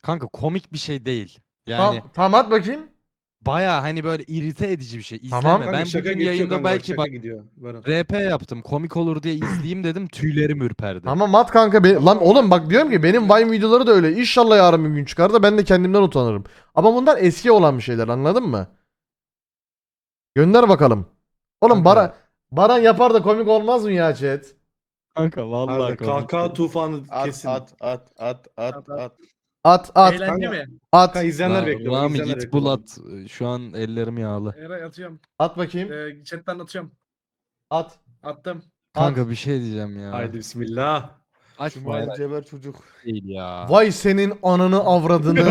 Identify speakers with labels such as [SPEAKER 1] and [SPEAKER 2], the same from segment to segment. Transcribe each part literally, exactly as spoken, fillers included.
[SPEAKER 1] Kanka komik bir şey değil.
[SPEAKER 2] Tamam,
[SPEAKER 1] Yani
[SPEAKER 2] tamam at bakayım.
[SPEAKER 1] baya hani böyle irite edici bir şey. İzleme.
[SPEAKER 2] Tamam.
[SPEAKER 1] Ben
[SPEAKER 3] Kanka şaka
[SPEAKER 1] bugün
[SPEAKER 3] geçiyor
[SPEAKER 1] yayında
[SPEAKER 3] kanka bak
[SPEAKER 1] belki
[SPEAKER 3] şaka
[SPEAKER 1] bak
[SPEAKER 3] gidiyor. Baran.
[SPEAKER 1] R P yaptım. Komik olur diye izleyeyim dedim. Tüylerim ürperdi.
[SPEAKER 2] Tamam at kanka. Be- Lan oğlum bak diyorum ki benim Vine videoları da öyle. İnşallah yarın bir gün çıkar da ben de kendimden utanırım. Ama bunlar eski olan bir şeyler, anladın mı? Gönder bakalım. Oğlum
[SPEAKER 1] Kanka.
[SPEAKER 2] Baran, Baran yapar da komik olmaz mı ya chat?
[SPEAKER 1] Kanka vallahi
[SPEAKER 3] Harbiden kahkaha tufanı
[SPEAKER 4] At
[SPEAKER 3] kesin.
[SPEAKER 4] at at at at at.
[SPEAKER 2] At at
[SPEAKER 5] Eğlence
[SPEAKER 3] Kanka.
[SPEAKER 5] mi?
[SPEAKER 2] at.
[SPEAKER 3] Kanka izleyenler
[SPEAKER 1] Lan
[SPEAKER 3] bekliyor. bak,
[SPEAKER 1] Rami
[SPEAKER 3] izleyenler
[SPEAKER 1] git
[SPEAKER 3] bekliyor.
[SPEAKER 1] bul at. Şu an ellerim yağlı.
[SPEAKER 5] Eray atıyorum.
[SPEAKER 2] At bakayım.
[SPEAKER 5] Ee, chatten atıyorum.
[SPEAKER 2] At.
[SPEAKER 5] Attım.
[SPEAKER 1] Kanka bir şey diyeceğim ya.
[SPEAKER 3] Haydi bismillah.
[SPEAKER 1] Açma
[SPEAKER 4] Cumali
[SPEAKER 1] Eray.
[SPEAKER 4] Ceber çocuk.
[SPEAKER 1] Değil ya.
[SPEAKER 2] Vay senin ananı avradını.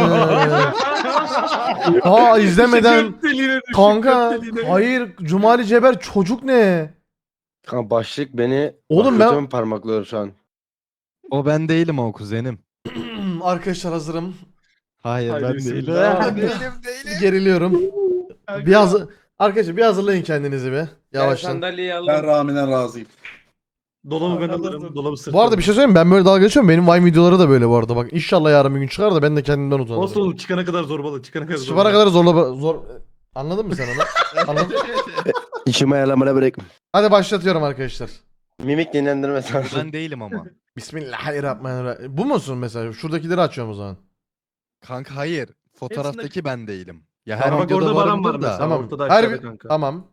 [SPEAKER 2] Aa izlemeden.
[SPEAKER 3] Göt deliğine düştük,
[SPEAKER 2] Kanka
[SPEAKER 3] göt deliğine.
[SPEAKER 2] hayır Cumali Ceber çocuk ne?
[SPEAKER 4] Kanka başlık beni
[SPEAKER 2] Oğlum ben-
[SPEAKER 4] kötü parmaklıyor şu an.
[SPEAKER 1] O ben değilim o kuzenim.
[SPEAKER 2] Arkadaşlar hazırım.
[SPEAKER 1] Hayır
[SPEAKER 3] Haydi
[SPEAKER 1] ben
[SPEAKER 3] bismillah.
[SPEAKER 1] değilim.
[SPEAKER 2] Geriliyorum. Bir hazır... Arkadaşlar bir hazırlayın kendinizi bir. Yavaştan.
[SPEAKER 4] Sandalyeyi aldım.
[SPEAKER 6] Ben Rami'den razıyım.
[SPEAKER 3] Dolabı ben alırım. Dolabı sırtlarım.
[SPEAKER 2] Bu arada bir şey söyleyeyim mi? Ben böyle dalga geçiyorum. Benim Vine videoları da böyle bu arada. Bak inşallah yarın bir gün çıkar da ben de kendimden
[SPEAKER 3] Olsun
[SPEAKER 2] utanırım.
[SPEAKER 3] oğlum çıkana kadar zorbalı. Çıkana kadar
[SPEAKER 2] Çıkana
[SPEAKER 3] zorbalı.
[SPEAKER 2] kadar zorla... Zor... Anladın mı sen onu? Anladın?
[SPEAKER 4] İçime ayarlamana bırak.
[SPEAKER 2] Hadi başlatıyorum arkadaşlar.
[SPEAKER 4] Mimik dinlendirme sanatı.
[SPEAKER 1] Ben değilim ama.
[SPEAKER 2] Bismillahirrahmanirrahim. Bu musun mesela? Şuradakileri açıyorum o zaman.
[SPEAKER 1] Kanka hayır. Fotoğraftaki ben değilim. Ya her
[SPEAKER 3] Tamam, bak
[SPEAKER 1] videoda
[SPEAKER 3] orada Baran var
[SPEAKER 1] varımdır da.
[SPEAKER 3] mesela.
[SPEAKER 2] Tamam.
[SPEAKER 3] ortada
[SPEAKER 2] Her
[SPEAKER 3] aşağıda
[SPEAKER 2] bir...
[SPEAKER 3] kanka.
[SPEAKER 2] Tamam.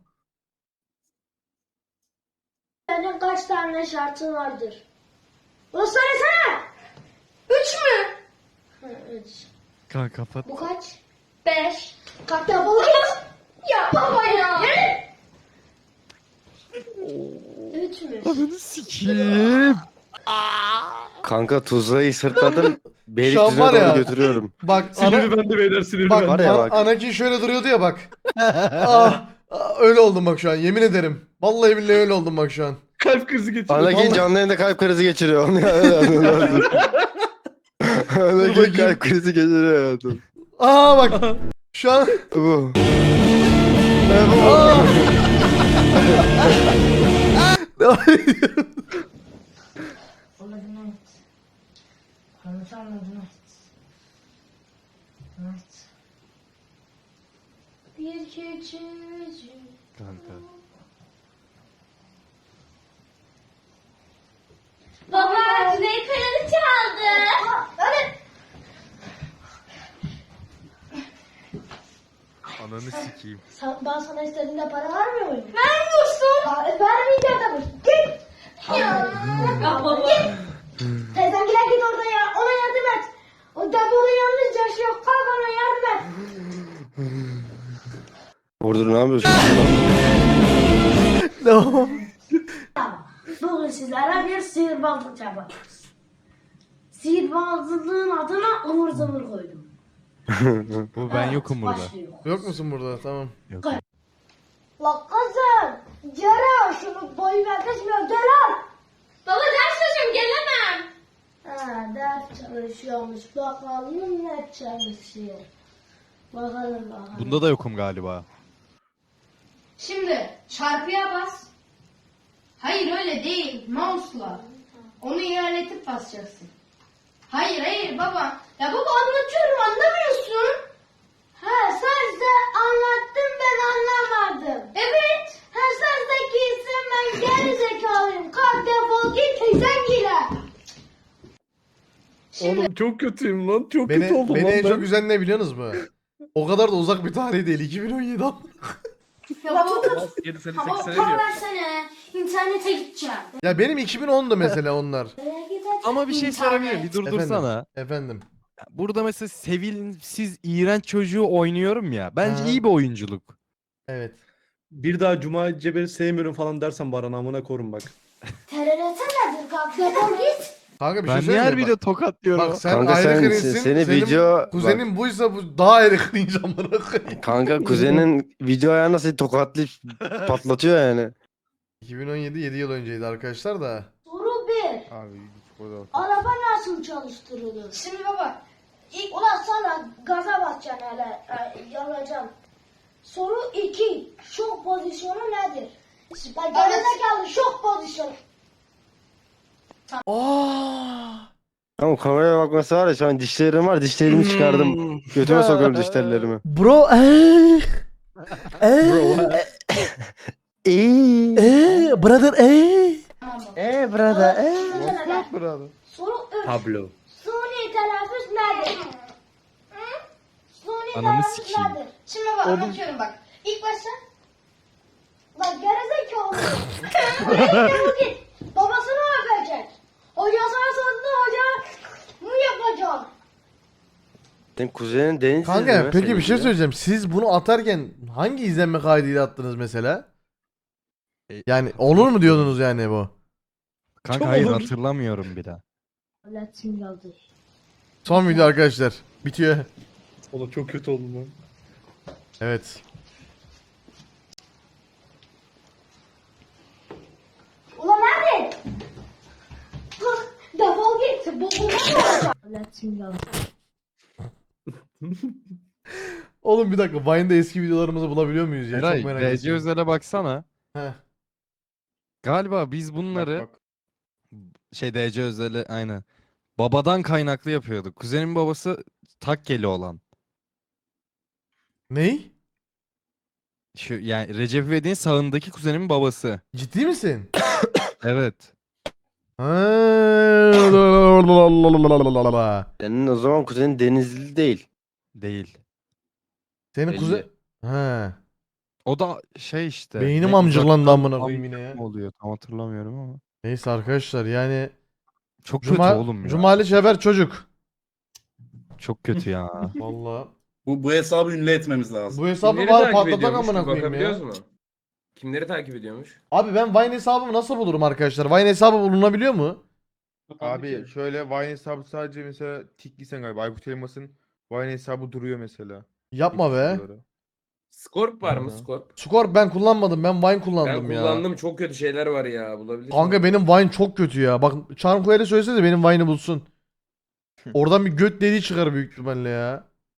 [SPEAKER 7] Senin kaç tane şartın vardır? Bunu söylesene. Üç mü? Ha, üç.
[SPEAKER 1] Kanka kapat.
[SPEAKER 7] Bu kaç? Beş. Kalk ya baba git. Ya baba ya. Üç mü?
[SPEAKER 1] Ananı sikeyim.
[SPEAKER 4] Kanka tuzlayı sırtladım.
[SPEAKER 2] Şu an
[SPEAKER 4] Beylikdüzü'ne
[SPEAKER 2] var
[SPEAKER 4] doğru
[SPEAKER 2] ya.
[SPEAKER 4] götürüyorum.
[SPEAKER 2] Bak ana...
[SPEAKER 3] Sinirli bende beyler sinirli
[SPEAKER 2] Bak,
[SPEAKER 3] bende.
[SPEAKER 4] Var ya
[SPEAKER 2] An-
[SPEAKER 4] bak.
[SPEAKER 2] Anakin şöyle duruyordu ya bak. ah, ah, öyle oldum bak şu an yemin ederim. Vallahi billahi öyle oldum bak şu an.
[SPEAKER 3] Kalp krizi geçiriyor.
[SPEAKER 4] Anakin
[SPEAKER 2] Vallahi-
[SPEAKER 4] canlı yayında kalp krizi geçiriyor. Onu ya, öyle anlıyorum. Anakin
[SPEAKER 2] bakayım.
[SPEAKER 4] kalp krizi geçiriyor hayatım.
[SPEAKER 2] Aa bak şu an
[SPEAKER 4] Bu.
[SPEAKER 2] Aa! Devam ediyorum.
[SPEAKER 7] Anladın evet. Anlat anladın evet. Evet. Bir küçücük.
[SPEAKER 1] Kanka.
[SPEAKER 7] Baba Güney Kayalı çaldı. Öyle.
[SPEAKER 1] Ananı sikeyim.
[SPEAKER 7] Sen, ben sana istediğinde para vermiyor muyum? Vermiyorsun. Ha, e, vermeyeceğim tabii. Git. Ya. Ya baba. Git. Teyzem gider git orada ya. Ona yardım et. O da burada yalnız yaşıyor. Kalk ona yardım et.
[SPEAKER 4] Vurdur ne yapıyorsun?
[SPEAKER 2] Devam.
[SPEAKER 7] Bugün sizlere bir sihirbazlık yapacağız. Sihirbazlığın adına ıvır zıvır koydum.
[SPEAKER 1] Bu ben
[SPEAKER 7] Evet,
[SPEAKER 1] yokum burada.
[SPEAKER 7] başlıyor.
[SPEAKER 2] Yok musun burada? Tamam.
[SPEAKER 1] Yok.
[SPEAKER 7] La kızım. Ceren şunu boyuna geçmiyor. Gel al. Baba ders çalışıyorum gelemem. Ha ders çalışıyormuş. Bakalım ne çalışıyor. Bakalım bakalım.
[SPEAKER 1] Bunda da yokum galiba.
[SPEAKER 8] Şimdi çarpıya bas. Hayır öyle değil. Mouse'la. Onu ilerletip basacaksın. Hayır hayır baba. Ya baba anlatıyorum anlamıyorsun.
[SPEAKER 7] Ha sen de anlattın ben anlamadım.
[SPEAKER 8] Evet.
[SPEAKER 7] Ha sen zekisin ben geri zekalıyım. Kalk defol git teyzen gire.
[SPEAKER 3] Oğlum çok kötüyüm lan. Çok
[SPEAKER 2] Beni,
[SPEAKER 3] kötü oldum
[SPEAKER 2] beni
[SPEAKER 3] lan
[SPEAKER 2] en
[SPEAKER 3] ben.
[SPEAKER 2] çok üzen ne biliyorsunuz mu? O kadar da uzak bir tarih değil. iki bin on yedi ama.
[SPEAKER 8] Ya baba
[SPEAKER 5] yedi sene
[SPEAKER 8] tamam
[SPEAKER 5] sekiz sene
[SPEAKER 8] para
[SPEAKER 5] diyor.
[SPEAKER 8] versene. İnternete gideceğim.
[SPEAKER 2] Ya benim iki bin ondu mesela onlar.
[SPEAKER 7] Nereye gideceksin?
[SPEAKER 1] Ama bir şey sorabilir miyim? Bir durdursana.
[SPEAKER 2] Efendim.
[SPEAKER 1] Burada mesela sevilsiz iğrenç çocuğu oynuyorum ya. Bence
[SPEAKER 2] Ha.
[SPEAKER 1] iyi bir oyunculuk.
[SPEAKER 2] Evet.
[SPEAKER 3] Bir daha Cuma Ceber'i sevmiyorum falan dersen Baran amına korun bak.
[SPEAKER 7] T R T nedir kalk defol git.
[SPEAKER 2] Kanka bir
[SPEAKER 1] Ben
[SPEAKER 2] şey
[SPEAKER 1] niye her
[SPEAKER 2] söyleyeyim mi?
[SPEAKER 1] video tokatlıyorum?
[SPEAKER 2] Bak sen
[SPEAKER 4] Kanka
[SPEAKER 2] ayrı
[SPEAKER 4] sen-
[SPEAKER 2] cringe'sin.
[SPEAKER 4] seni
[SPEAKER 2] Senin
[SPEAKER 4] video-
[SPEAKER 2] kuzenin buysa bu daha ayrı cringe amına koyayım.
[SPEAKER 4] Kanka kuzenin video ayağına seni tokatlayıp patlatıyor yani.
[SPEAKER 2] iki bin on yedi yedi yıl önceydi arkadaşlar da.
[SPEAKER 7] Soru bir.
[SPEAKER 4] Abi burada.
[SPEAKER 7] Araba nasıl çalıştırılır?
[SPEAKER 8] Şimdi baba
[SPEAKER 7] İlk ulan sana gaza basacaksın hele. E, yalacaksın. Soru iki. Şok pozisyonu nedir? Bak gerizekalı şok pozisyonu.
[SPEAKER 2] Aa!
[SPEAKER 4] Tamam kameraya bakması var ya şu an dişlerim var dişlerimi çıkardım. Götüme sokuyorum dişlerimi.
[SPEAKER 2] Bro eee. Eee.
[SPEAKER 4] İyi.
[SPEAKER 2] Eee. Brother eee.
[SPEAKER 8] Tamam baba.
[SPEAKER 4] Eee brother eee.
[SPEAKER 7] What's
[SPEAKER 2] Brother.
[SPEAKER 7] Soru üç.
[SPEAKER 3] Pablo.
[SPEAKER 7] Suni telaffuz nedir? Hı? Suni
[SPEAKER 1] Ananı
[SPEAKER 7] telaffuz
[SPEAKER 1] sikeyim.
[SPEAKER 7] nedir?
[SPEAKER 8] Şimdi bak anlatıyorum bak. İlk başta
[SPEAKER 7] Lan gerizekalı. Nereye git? Babasını öpecek. Hocasına sordu hoca. Bu yapacak.
[SPEAKER 4] Senin kuzenin Deniz
[SPEAKER 2] Kanka
[SPEAKER 4] izliyor
[SPEAKER 2] peki
[SPEAKER 4] seni
[SPEAKER 2] bir şey
[SPEAKER 4] ya.
[SPEAKER 2] söyleyeceğim. Siz bunu atarken hangi izlenme kaydıyla attınız mesela?
[SPEAKER 1] E,
[SPEAKER 2] Yani olur mu diyordunuz yani bu?
[SPEAKER 1] Kanka
[SPEAKER 3] Çok
[SPEAKER 1] hayır
[SPEAKER 3] olur.
[SPEAKER 1] hatırlamıyorum bir daha.
[SPEAKER 7] Latin yazdı.
[SPEAKER 2] Son video arkadaşlar. Bitiyor.
[SPEAKER 3] Oğlum çok kötü oldum lan.
[SPEAKER 2] Evet.
[SPEAKER 7] Ulan nerede? Hah, defol git. Bu bu olacak. Latin yazdı.
[SPEAKER 2] Oğlum bir dakika. Vine'da eski videolarımızı bulabiliyor muyuz ya?
[SPEAKER 1] Eray,
[SPEAKER 2] Çok merak
[SPEAKER 1] D C
[SPEAKER 2] ettim.
[SPEAKER 1] Özel'e baksana.
[SPEAKER 2] Heh.
[SPEAKER 1] Galiba biz bunları
[SPEAKER 5] Bak, bak.
[SPEAKER 1] şey D C Özel'e aynen. Babadan kaynaklı yapıyorduk. Kuzenin babası Takkeli olan.
[SPEAKER 2] Ney?
[SPEAKER 1] Şu yani Recep İvedik'in sağındaki kuzenimin babası.
[SPEAKER 2] Ciddi misin?
[SPEAKER 1] Evet.
[SPEAKER 2] Ha.
[SPEAKER 4] Senin o zaman kuzenin Denizli değil.
[SPEAKER 1] Değil.
[SPEAKER 2] Senin
[SPEAKER 5] Belli.
[SPEAKER 2] kuzen... He.
[SPEAKER 1] O da şey işte.
[SPEAKER 2] Beynim
[SPEAKER 1] ne,
[SPEAKER 2] amcıklandı
[SPEAKER 1] uzaktan
[SPEAKER 2] amına koyayım yine ya.
[SPEAKER 1] amcık mı oluyor tam hatırlamıyorum ama.
[SPEAKER 2] Neyse arkadaşlar yani
[SPEAKER 1] Çok
[SPEAKER 2] Cuma,
[SPEAKER 1] kötü oğlum ya.
[SPEAKER 2] Cumali Çeber çocuk.
[SPEAKER 1] Çok kötü ya.
[SPEAKER 2] Vallahi.
[SPEAKER 6] Bu, bu hesabı ünlü etmemiz lazım.
[SPEAKER 2] Bu hesabı
[SPEAKER 5] Kimleri
[SPEAKER 2] bari
[SPEAKER 5] takip
[SPEAKER 2] patlatak
[SPEAKER 5] ediyormuş?
[SPEAKER 2] amına
[SPEAKER 5] Bir
[SPEAKER 2] koyayım ya.
[SPEAKER 5] bakabiliyoruz mu? Kimleri takip ediyormuş?
[SPEAKER 2] Abi ben Vine hesabımı nasıl bulurum arkadaşlar? Vine hesabı bulunabiliyor mu?
[SPEAKER 5] Abi şöyle Vine hesabı sadece mesela tikliysen galiba Aykut Elmas'ın Vine hesabı duruyor mesela.
[SPEAKER 2] Yapma be.
[SPEAKER 5] Videoları.
[SPEAKER 9] Scorp var mı
[SPEAKER 5] Hı.
[SPEAKER 9] Scorp?
[SPEAKER 2] Skor ben kullanmadım. Ben Vine
[SPEAKER 9] Ben
[SPEAKER 2] kullandım ya.
[SPEAKER 9] kullandım, çok kötü şeyler var ya, bulabilirsin.
[SPEAKER 2] Kanka benim Vine çok kötü ya. Bak Charmcoyer'e söylesene benim Vine'ı bulsun. Oradan bir göt deliği çıkar büyük ihtimalle ya.